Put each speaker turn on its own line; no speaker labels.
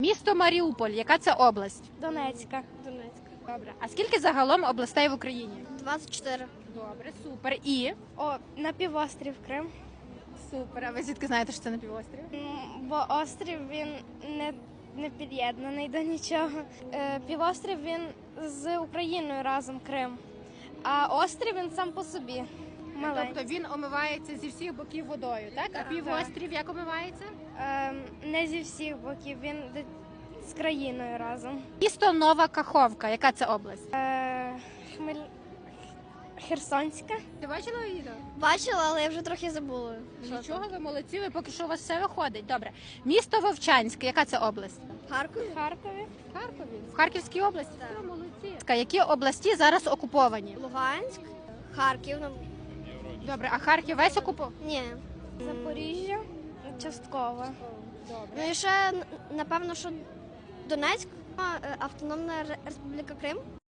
Місто Маріуполь, яка це область?
Донецька.
Добре. А скільки загалом областей в Україні?
24.
Добре, супер. І?
О, на півострів Крим.
Супер. А ви звідки знаєте, що це на півострів?
Бо острів він не під'єднаний до нічого. Півострів він з Україною разом Крим. А острів він сам по собі. Маленький.
Тобто він омивається зі всіх боків водою, так? А півострів як омивається?
Не зі всіх боків, він з країною разом.
Місто Нова Каховка, яка це область?
Херсонська.
Ти бачила відео?
Бачила, але я вже трохи забула.
Нічого, ви молодці, ви поки що у вас все виходить. Добре. Місто Вовчанське, яка це область?
Харкові.
В Харкові. В Харківській області?
Так.
Ви молодці. Які області зараз окуповані?
Луганськ, Харків.
Добре, а Харків весь окупований?
Ні. Запоріжжя частково.
Добре.
Ну і ще, напевно, що Донецьк, Автономна Республіка Крим.